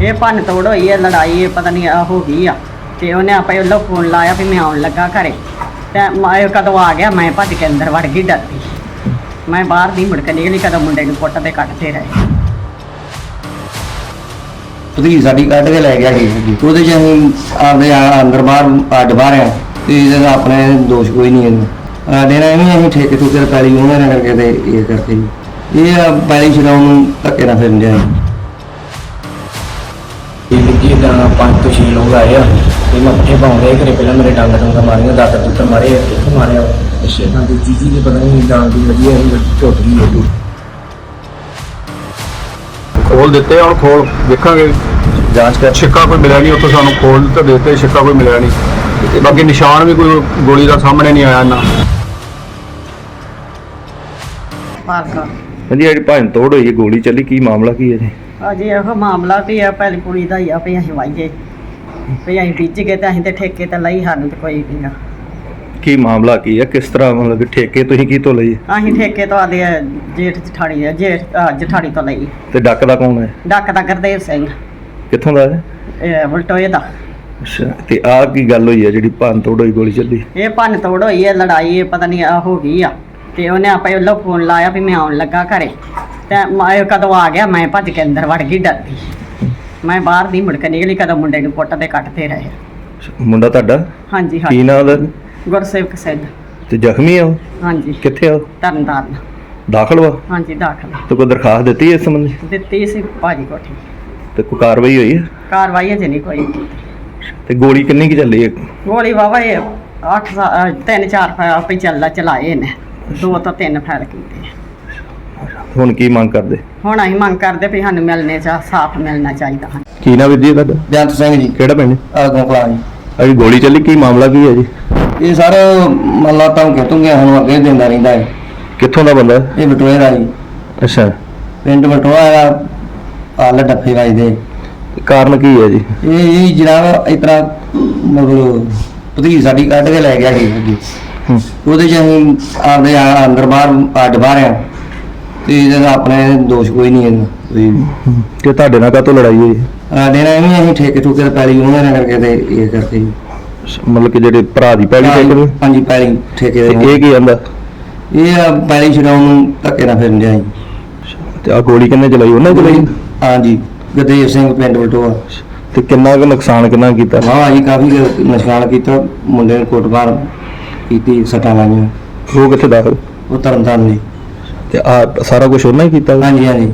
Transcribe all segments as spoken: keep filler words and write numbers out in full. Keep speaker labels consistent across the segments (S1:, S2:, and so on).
S1: ਇਹ ਭੰਨ ਤੋੜ ਹੋਈ ਹੈ, ਲੜਾਈ ਪਤਾ ਨਹੀਂ ਹੋ ਗਈ ਆ ਤੇ ਉਹਨੇ ਆਪੇ ਉਹਨੂੰ ਫੋਨ ਲਾਇਆ ਵੀ ਮੈਂ ਆਉਣ ਲੱਗਾ ਘਰੇ ਤੇ ਮੈਂ ਕਦੋਂ ਆ ਗਿਆ ਮੈਂ ਭੱਜ ਕੇ ਅੰਦਰ ਵੜ ਗਈ ਡਰਦੀ। ਮੈਂ ਬਾਹਰ ਦੀ ਮੁੜ ਕੇ ਨਿਕਲੀ ਕਦੋਂ ਮੁੰਡੇ ਨੂੰ ਪੁੱਟ ਤੇ ਕੱਟਦੇ ਰਹੇ।
S2: ਭਤੀਜੀ ਸਾਡੀ ਕੱਢ ਕੇ ਲੈ ਗਿਆ ਸੀ ਉਹਦੇ 'ਚ ਅਸੀਂ ਆਪਦੇ ਅੰਦਰ ਬਾਹਰ ਅੱਡ ਬਾਹਰ ਆ ਤੇ ਇਹਦਾ ਆਪਣੇ ਦੋਸ਼ ਕੋਈ ਨਹੀਂ ਇਹਨੂੰ ਸਾਡੇ ਨਾਲ ਐਵੇਂ ਅਸੀਂ ਠੇਕੇ ਠੁਕੇ ਪੈਲੀ ਉਹਨਾਂ ਨੇ ਕਰਕੇ ਤੇ ਇਹ ਕਰਕੇ ਜੀ ਇਹ ਪੈਲੀ ਛਡਾਉਣ ਨੂੰ ਧੱਕੇ ਨਾਲ ਫਿਰਨ ਡਿਆ
S3: ਜੀ ਦਾ ਪੰਜ ਤੋਂ ਛੇ ਲੋਕ ਆਏ ਆ ਤੇ ਮੱਥੇ ਪਾਉਂਦੇ ਘਰੇ ਪਹਿਲਾਂ ਮੇਰੇ ਡੰਗ ਡੰਗ ਮਾਰੀਆਂ ਦਾਤਰ ਦੁੱਤਰ ਮਾਰੇ ਕਿੱਥੇ ਮਾਰਿਆ ਅੱਛਾ ਹਾਂ ਤੇ ਜੀਜੀ ਨੇ ਪਤਾ ਨਹੀਂ ਡਾਂਗ ਦੀ ਵਧੀਆ ਝੁੱਟ ਗਈ ਹੈ
S4: ਖੋਲ ਦਿੱਤੇ ਹੁਣ ਖੋਲ ਵੇਖਾਂਗੇ ਜਾਂਚ ਕਰ ਛਿੱਕਾ ਕੋਈ ਮਿਲਿਆ ਨਹੀਂ ਉੱਥੋਂ ਸਾਨੂੰ ਖੋਲ ਤਾਂ ਦਿੱਤੇ ਛਿੱਕਾ ਕੋਈ ਮਿਲਿਆ ਨਹੀਂ ਤੇ ਬਾਕੀ ਨਿਸ਼ਾਨ ਵੀ ਕੋਈ ਗੋਲੀ ਦਾ ਸਾਹਮਣੇ ਨਹੀਂ ਆਇਆ ਨਾ।
S1: ਪਾਰਕਾ
S5: ਹਾਂਜੀ ਜਿਹੜੀ ਭੰਨ ਤੋੜ ਹੋਈ ਹੈ ਗੋਲੀ ਚੱਲੀ ਕੀ ਮਾਮਲਾ ਕੀ ਹੈ ਜੀ?
S1: ਅਜੇ ਇਹੋ ਮਾਮਲਾ ਵੀ ਆ ਪਹਿਲੀ ਕੁੜੀ ਦਾ ਹੀ ਆ ਵੀ ਅਸੀਂ ਵਾਈਏ ਵੀ ਅਸੀਂ ਬੀਜ ਗਏ ਤੇ ਅਸੀਂ ਤੇ ਠੇਕੇ ਤੇ ਲਈ ਸਾਨੂੰ ਤੇ ਕੋਈ ਨਹੀਂ ਆ।
S5: ਕੀ ਮਾਮਲਾ ਕੀ ਹੈ ਕਿਸ ਤਰ੍ਹਾਂ ਮਤਲਬ ਕਿ ਠੇਕੇ ਤੁਸੀਂ ਕੀ ਤੋਂ ਲਈ
S1: ਅਸੀਂ ਠੇਕੇ ਤੋਂ ਆਦੇ ਜੇਠ ਜਠਾਣੀ ਆ ਜੇਠ ਅਹ ਜਠਾਣੀ ਤੋਂ ਲਈ
S5: ਤੇ ਡੱਕ ਦਾ ਕੌਣ ਹੈ?
S1: ਡੱਕ ਦਾ ਗੁਰਦੇਵ ਸਿੰਘ
S5: ਕਿੱਥੋਂ ਦਾ ਹੈ?
S1: ਇਹ ਵਲਟੋਏ ਦਾ।
S5: ਅੱਛਾ ਤੇ ਆਹ ਕੀ ਗੱਲ ਹੋਈ ਹੈ ਜਿਹੜੀ ਭੰਨ ਤੋੜ ਹੋਈ ਗੋਲੀ ਚੱਲੀ?
S1: ਇਹ ਭੰਨ ਤੋੜ ਹੋਈ ਹੈ, ਲੜਾਈ ਪਤਾ ਨਹੀਂ ਹੋ ਗਈ ਆ ਤੇ ਉਹਨੇ ਆਪੇ ਉਹਨੂੰ ਫੋਨ ਲਾਇਆ ਵੀ ਮੈਂ ਆਉਣ ਲੱਗਾ ਘਰੇ ਤੇ ਮੈਂ ਕਦੋਂ ਆ ਗਿਆ ਮੈਂ ਭੱਜ ਕੇ ਅੰਦਰ ਵੜ ਗਈ ਡਰਦੀ। ਮੈਂ ਬਾਹਰ ਦੀ ਮੁੜ ਕੇ ਨਿਕਲੀ ਕਦੋਂ ਮੁੰਡੇ ਨੂੰ ਪੁੱਟ ਤੇ ਕੱਟਦੇ ਰਹੇ।
S5: ਮੁੰਡਾ ਤੁਹਾਡਾ
S1: ਹਾਂਜੀ
S5: ਕੀ
S1: ਹਾਂ
S5: ਨਾਂ ਉਹਦਾ?
S1: ਗੁਰਸੇਵਕ ਸਿੰਘ।
S5: ਤੇ ਜ਼ਖਮੀ ਆ ਉਹ?
S1: ਹਾਂਜੀ
S5: ਕਿੱਥੇ ਆ ਉਹ?
S1: ਤਰਨਤਾਰਨ।
S5: ਦਾਖਲ ਵਾ?
S1: ਹਾਂਜੀ ਦਾਖਲ
S5: ਤੇ ਕੋਈ ਦਰਖਾਸਤ ਦਿੱਤੀ ਇਸ ਸੰਬੰਧੀ?
S1: ਦਿੱਤੀ ਸੀ ਭਾਜੀ ਕੋਠੀ।
S5: ਤੇ ਕੋਈ ਕਾਰਵਾਈ ਹੋਈ ਹੈ?
S1: ਕਾਰਵਾਈ ਅਜੇ ਨਹੀਂ ਕੋਈ ਕੀਤੀ।
S5: ਤੇ ਗੋਲੀ ਕਿੰਨੀ ਕੀ ਚੱਲੀ ਹੈ?
S1: ਗੋਲੀ ਵਾਵਾ ਇਹ ਅੱਠ ਸਾ- ਤਿੰਨ ਚਾਰ ਫੈਲ ਚੱਲਾ ਚਲਾਏ ਨੇ, ਦੋ ਤੋਂ ਤਿੰਨ ਫੈਲ ਕੀਤੇ।
S5: ਹੁਣ ਕੀ ਮੰਗ ਕਰਦੇ?
S1: ਹੁਣ ਅਸੀਂ ਮੰਗ ਕਰਦੇ ਵੀ ਸਾਨੂੰ ਮਿਲਣੇ ਚਾ ਸਾਫ਼ ਮਿਲਣਾ ਚਾਹੀਦਾ ਹੈ।
S5: ਕੀ ਨਾਮ ਵੀਰ ਜੀ ਤੁਹਾਡਾ?
S2: ਬੇਅੰਤ ਸਿੰਘ ਜੀ
S5: ਕਿਹੜਾ ਪਿੰਡ?
S2: ਆਗੋਂ ਕਲਾਂ ਜੀ।
S5: ਅਜੀ ਗੋਲੀ ਚੱਲੀ ਕੀ ਮਾਮਲਾ ਕੀ ਹੈ ਜੀ?
S2: ਇਹ ਸਰ ਮੱਲਾ ਧਮਕੇ ਧੁੰਗੇ ਸਾਨੂੰ ਅੱਗੇ ਦਿੰਦਾ ਰਹਿੰਦਾ ਹੈ।
S5: ਕਿੱਥੋਂ ਦਾ ਬੰਦਾ?
S2: ਇਹ ਬਟੋਏ ਦਾ ਜੀ,
S5: ਅੱਛਾ
S2: ਪਿੰਡ ਬਟੋਆ ਦਾ ਆਲ ਡੱਫੇ ਵੱਜਦੇ।
S5: ਤੇ ਕਾਰਨ ਕੀ ਹੈ ਜੀ?
S2: ਇਹ ਇਹ ਜਨਾਬ ਇਸ ਤਰ੍ਹਾਂ ਮਤਲਬ ਭਤੀਜੀ ਸਾਡੀ ਕੱਢ ਕੇ ਲੈ ਗਿਆ ਸੀ ਅੱਗੇ
S5: ਹੂੰ।
S2: ਉਹਦੇ 'ਚ ਅਸੀਂ ਆਪਦੇ ਅੰਦਰ ਬਾਹਰ ਅੱਡ ਬਾਹਰ ਆ ਤੇ ਇਹਦਾ ਆਪਣੇ ਦੋਸ਼ ਕੋਈ ਨਹੀਂ ਇਹਨੂੰ ਕੋਈ
S5: ਕਿ ਤੁਹਾਡੇ ਨਾਲ ਕਾਹਤੋਂ ਲੜਾਈ ਹੋਈ?
S2: ਸਾਡੇ ਨਾਲ ਐਵੇਂ ਅਸੀਂ ਠੇਕੇ ਠੁਕੇ ਪੈਲੀ ਉਹਨਾਂ ਨੇ ਕਰਕੇ ਤੇ ਇਹ ਕਰਕੇ ਜੀ।
S5: ਮਤਲਬ ਕਿ ਜਿਹੜੇ ਭਰਾ ਦੀ ਪੈਲੀ ਠੇਕੇ ਨੂੰ?
S2: ਹਾਂਜੀ ਪੈਲੀ ਠੇਕੇ
S5: ਤੇ
S2: ਦੇ
S5: ਇਹ ਕੀ ਆਂਦਾ?
S2: ਇਹ ਪੈਲੀ ਛਡਾਉਣ ਨੂੰ ਧੱਕੇ ਨਾਲ ਫਿਰਨ ਡਿਆ ਜੀ।
S5: ਤੇ ਆ ਗੋਲੀ ਕਿੰਨੇ ਚਲਾਈ? ਉਹਨੇ ਚਲਾਈ?
S2: ਹਾਂਜੀ ਗੁਰਦੇਵ ਸਿੰਘ ਪਿੰਡ ਬਲਟੋਆ।
S5: ਤੇ ਕਿੰਨਾ ਕੁ ਨੁਕਸਾਨ ਕਿੰਨਾ ਕੀਤਾ?
S2: ਹਾਂ ਜੀ ਕਾਫੀ ਨੁਕਸਾਨ ਕੀਤਾ, ਮੁੰਡੇ ਨੇ ਕੁੱਟਮਾਰ ਕੀਤੀ, ਸੱਟਾਂ ਲਾਈਆਂ।
S5: ਉਹ ਕਿੱਥੇ ਦਾਖਲ?
S2: ਉਹ ਤਰਨਤਾਰਨ ਜੀ।
S5: ਤੇ ਆ ਸਾਰਾ ਕੁਝ ਉਹਨਾਂ ਹੀ ਕੀਤਾ?
S2: ਹਾਂਜੀ ਹਾਂਜੀ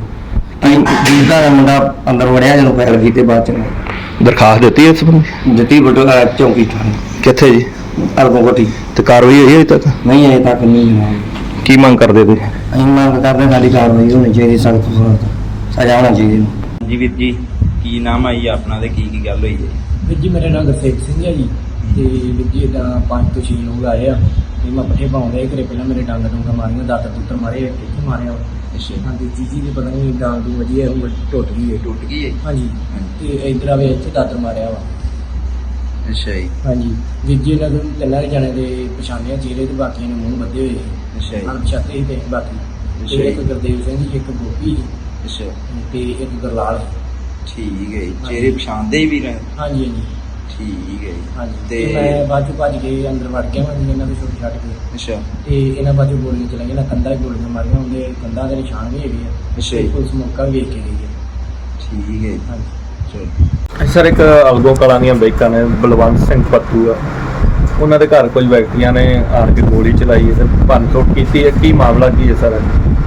S2: ਜਿਸਦਾ ਦਾ ਮੁੰਡਾ ਅੰਦਰ ਵੜਿਆ ਜਦੋਂ ਫੈਲ ਕੀਤੇ ਬਾਅਦ ਚ
S5: ਦਰਖਾਸਤ ਦਿੱਤੀ ਇਸ ਸੰਬੰਧੀ?
S2: ਦਿੱਤੀ ਬਟੋਆ ਚੌਂਕੀ ਥਾਣੇ
S5: ਕਿੱਥੇ ਜੀ?
S2: ਅਰਗੋ ਕੋਠੀ।
S5: ਤੇ ਕਾਰਵਾਈ ਹੋਈ ਅਜੇ ਤੱਕ?
S2: ਨਹੀਂ ਅਜੇ ਤੱਕ ਨਹੀਂ ਹੋਈ।
S5: ਕੀ ਮੰਗ ਕਰਦੇ ਤੁਸੀਂ?
S2: ਅਸੀਂ ਮੰਗ ਕਰਦੇ ਸਾਡੀ ਕਾਰਵਾਈ ਹੋਣੀ ਚਾਹੀਦੀ, ਸਖਤ ਤੋਂ ਸਖਤ ਸਜ਼ਾ ਹੋਣੀ ਚਾਹੀਦੀ।
S6: ਜੀ ਵੀਰ ਜੀ ਕੀ ਨਾਮ ਹੈ ਜੀ ਆਪਣਾ ਤੇ ਕੀ ਕੀ ਗੱਲ ਹੋਈ ਹੈ?
S3: ਵੀਰ ਜੀ ਮੇਰਾ ਨਾਮ ਗੁਰਸੇਵਕ ਸਿੰਘ ਹੈ ਜੀ ਤੇ ਵੀਰ ਜੀ ਦਾ ਪੰਜ ਤੋਂ ਛੇ ਲੋਕ ਆਏ ਆ ਤੇ ਮੱਥੇ ਪਾਉਂਦੇ ਘਰੇ ਪਹਿਲਾਂ ਮੇਰੇ ਡੰਗ ਡੰਗ ਮਾਰੀਆਂ ਦਾਤਰ ਦੁੱਤਰ ਮਾਰੇ ਕਿੱਥੇ ਮਾਰਿਆ
S6: ਅੱਛਾ
S3: ਹਾਂ ਤੇ ਜੀਜੀ ਨੇ ਪਤਾ ਨਹੀਂ ਡਾਂਗ ਦੀ ਵਧੀਆ ਝੁੱਟ ਗਈ ਹੈ
S6: ਟੁੱਟ ਗਈ ਹੈ?
S3: ਹਾਂਜੀ ਤੇ ਇਧਰ ਆਵੇ ਇੱਥੇ ਦਾਤਰ ਮਾਰਿਆ ਵਾ।
S6: ਅੱਛਾ ਜੀ
S3: ਹਾਂਜੀ ਵੀਰ ਜੀ ਇਹਨਾਂ ਨੂੰ ਤਿੰਨਾਂ ਜਣੇ ਦੇ ਪਛਾਣਿਆ ਚਿਹਰੇ ਤੇ ਬਾਕੀਆਂ ਨੇ ਮੂੰਹ ਬੱਧੇ ਹੋਏ
S6: ਅੱਛਾ ਜੀ
S3: ਅਣਪਛਾਤੇ ਸੀ ਤੇ ਬਾਕੀ
S6: ਅੱਛਾ
S3: ਤੇ
S6: ਜੀ।
S3: ਇੱਕ ਗੁਰਦੇਵ ਸਿੰਘ ਜੀ, ਇੱਕ ਗੋਪੀ
S6: ਅੱਛਾ
S3: ਤੇ ਇੱਕ ਗੁਰਲਾਲ।
S6: ਠੀਕ ਹੈ ਜੀ ਚਿਹਰੇ ਪਛਾਣਦੇ ਹੀ ਵੀ ਰਹੇ?
S3: ਹਾਂਜੀ ਹਾਂਜੀ
S6: ਠੀਕ ਹੈ ਜੀ
S3: ਹਾਂਜੀ
S6: ਤੇ
S3: ਤੇ ਮੈਂ ਬਾਅਦ ਚੋਂ ਭੱਜ ਕੇ ਅੰਦਰ ਵੜ ਗਿਆ ਮੈਂ ਇਹਨਾਂ ਦੇ ਛੋਟੇ ਛੱਡ ਕੇ
S6: ਅੱਛਾ
S3: ਤੇ ਇਹਨਾਂ ਬਾਅਦ ਚੋਂ ਗੋਲੀਆਂ ਚਲਾਈਆਂ ਨਾ ਕੰਧਾਂ 'ਚ ਗੋਲੀਆਂ ਮਾਰੀਆਂ ਹੁੰਦੇ ਕੰਧਾਂ ਦੇ ਨਿਸ਼ਾਨ ਵੀ ਹੈਗੇ ਆ।
S6: ਅੱਛਾ
S3: ਤੇ
S6: ਜੀ
S3: ਪੁਲਿਸ ਮੌਕਾ ਵੀ ਵੇਖ ਕੇ ਗਈ ਹੈ।
S6: ਠੀਕ ਹੈ ਜੀ
S3: ਹਾਂਜੀ
S6: ਚਲੋ
S5: ਸਰ ਇੱਕ ਅਲਗੋ ਕਲਾਂ ਦੀਆਂ ਬਾਈਕਾਂ ਨੇ ਬਲਵੰਤ ਸਿੰਘ ਪੱਤੂ ਆ ਉਹਨਾਂ ਦੇ ਘਰ ਕੁਝ ਵਿਅਕਤੀਆਂ ਨੇ ਆਣ ਕੇ ਗੋਲੀ ਚਲਾਈ ਹੈ ਤੇ ਭੰਨ ਤੋੜ ਕੀਤੀ ਹੈ। ਕੀ ਮਾਮਲਾ ਕੀ ਹੈ ਸਰ?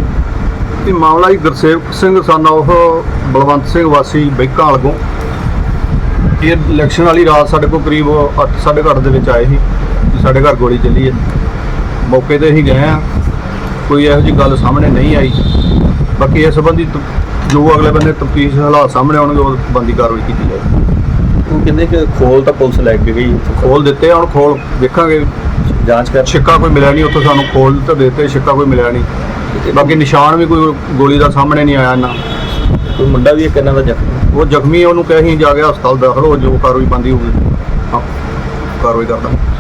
S4: ਇਹ ਮਾਮਲਾ ਜੀ ਗੁਰਸੇਵਕ ਸਿੰਘ ਸਨ ਉਹ ਬਲਵੰਤ ਸਿੰਘ ਵਾਸੀ ਬੈਂਕਾਂ ਵਾਲਗੋਂ। ਇਹ ਇਲੈਕਸ਼ਨ ਵਾਲੀ ਰਾਤ ਸਾਡੇ ਕੋਲ ਕਰੀਬ ਅੱਠ ਸਾਢੇ ਕੁ ਅੱਠ ਦੇ ਵਿੱਚ ਆਏ ਸੀ ਕਿ ਸਾਡੇ ਘਰ ਗੋਲੀ ਚੱਲੀ ਹੈ। ਮੌਕੇ ਤੇ ਅਸੀਂ ਗਏ ਆ, ਕੋਈ ਇਹੋ ਜਿਹੀ ਗੱਲ ਸਾਹਮਣੇ ਨਹੀਂ ਆਈ। ਬਾਕੀ ਇਸ ਸੰਬੰਧੀ ਤ- ਜੋ ਅਗਲੇ ਬੰਦੇ ਤਫਤੀਸ਼ ਹਾਲਾਤ ਸਾਹਮਣੇ ਆਉਣਗੇ ਉਹ ਬੰਦੀ ਕਾਰਵਾਈ ਕੀਤੀ ਜਾਏਗੀ।
S5: ਉਹ ਕਹਿੰਦੇ ਕਿ ਖੋਲ ਤਾਂ ਪੁਲਿਸ ਲੈ ਕੇ ਗਈ,
S4: ਖੋਲ ਦਿੱਤੇ, ਹੁਣ ਖੋਲ ਵੇਖਾਂਗੇ
S5: ਜਾਂਚ ਕਰ।
S4: ਛਿੱਕਾ ਕੋਈ ਮਿਲਿਆ ਨਹੀਂ ਉੱਥੋਂ ਸਾਨੂੰ ਖੋਲ ਤਾਂ ਦਿੱਤੇ, ਛਿੱਕਾ ਕੋਈ ਮਿਲਿਆ ਨਹੀਂ ਤੇ ਬਾਕੀ ਨਿਸ਼ਾਨ ਵੀ ਕੋਈ ਗੋਲੀ ਦਾ ਸਾਹਮਣੇ ਨਹੀਂ ਆਇਆ ਨਾ।
S5: ਕੋਈ ਮੁੰਡਾ ਵੀ ਇੱਕ ਇਹਨਾਂ ਦਾ ਜ਼ਖਮੀ?
S4: ਉਹ ਜ਼ਖਮੀ, ਉਹਨੂੰ ਕਹੇ ਅਸੀਂ ਜਾ ਕੇ ਹਸਪਤਾਲ ਦਾਖਲ ਹੋ, ਜੋ ਕਾਰਵਾਈ ਬੰਦੀ ਹੋਊਗੀ ਹਾਂ ਕਾਰਵਾਈ ਕਰਦਾ।